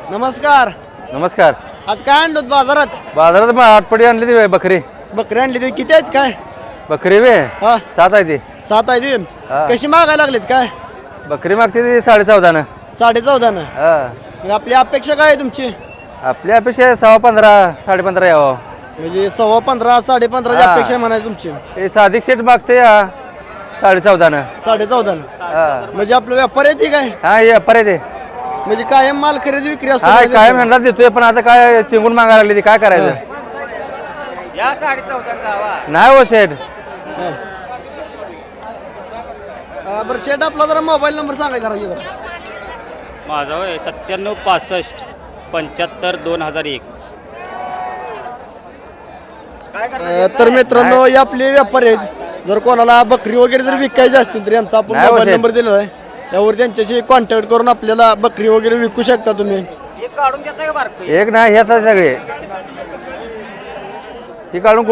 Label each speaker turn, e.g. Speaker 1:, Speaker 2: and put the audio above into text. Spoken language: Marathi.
Speaker 1: नमस्कार.
Speaker 2: नमस्कार.
Speaker 1: आज काय आणलं बाजारात?
Speaker 2: बाजारात आठपडी आणली ती बकरी.
Speaker 1: बकरी आणली ती किती आहेत काय?
Speaker 2: बकरी वे
Speaker 1: हा
Speaker 2: 7 आहे ती.
Speaker 1: 7 आहे ती.
Speaker 2: हा.
Speaker 1: कशी मागायला लागलीत काय?
Speaker 2: बकरी मागते ती 14.5.
Speaker 1: 14.5.
Speaker 2: हा
Speaker 1: मग आपली अपेक्षा काय आहे तुमची?
Speaker 2: आपल्या अपेक्षा 15.5 15.5 यावं.
Speaker 1: म्हणजे 15.15 15.5
Speaker 2: हा.
Speaker 1: अपेक्षा म्हणायची तुमची.
Speaker 2: हे साधिक शेट मागते 14.5.
Speaker 1: 14.5.
Speaker 2: हा
Speaker 1: म्हणजे आपलं व्यापार आहे ती काय?
Speaker 2: हा ये परत आहे.
Speaker 1: म्हणजे कायम माल खरेदी विक्री असतो
Speaker 2: हा
Speaker 1: म्हणजे
Speaker 2: काय
Speaker 1: तिथं?
Speaker 2: म्हणला देतोय पण आता काय चिंगून मागायला लागली ती काय करायचं.
Speaker 3: या 14.5चा
Speaker 2: नाही हो शेठ.
Speaker 1: हा. बरं शेट आपला जरा मोबाईल नंबर सांगायचा जरा.
Speaker 4: माझा होय 97 65 75 2001.
Speaker 1: तर मित्रांनो हे आपले व्यापारी आहेत. जर कोणाला बकरी वगैरे जर विकायची असतील तर यांचा आपण
Speaker 2: नाही हो
Speaker 1: मोबाईल
Speaker 2: शेठ.
Speaker 1: नंबर दिलेला आहे. त्यावर त्यांच्याशी कॉन्टॅक्ट करून आपल्याला बकरी वगैरे विकू शकता तुम्ही.
Speaker 3: एक काढून घेताय का बारकं?
Speaker 2: एक नाही ह्याच सगळे ही काढून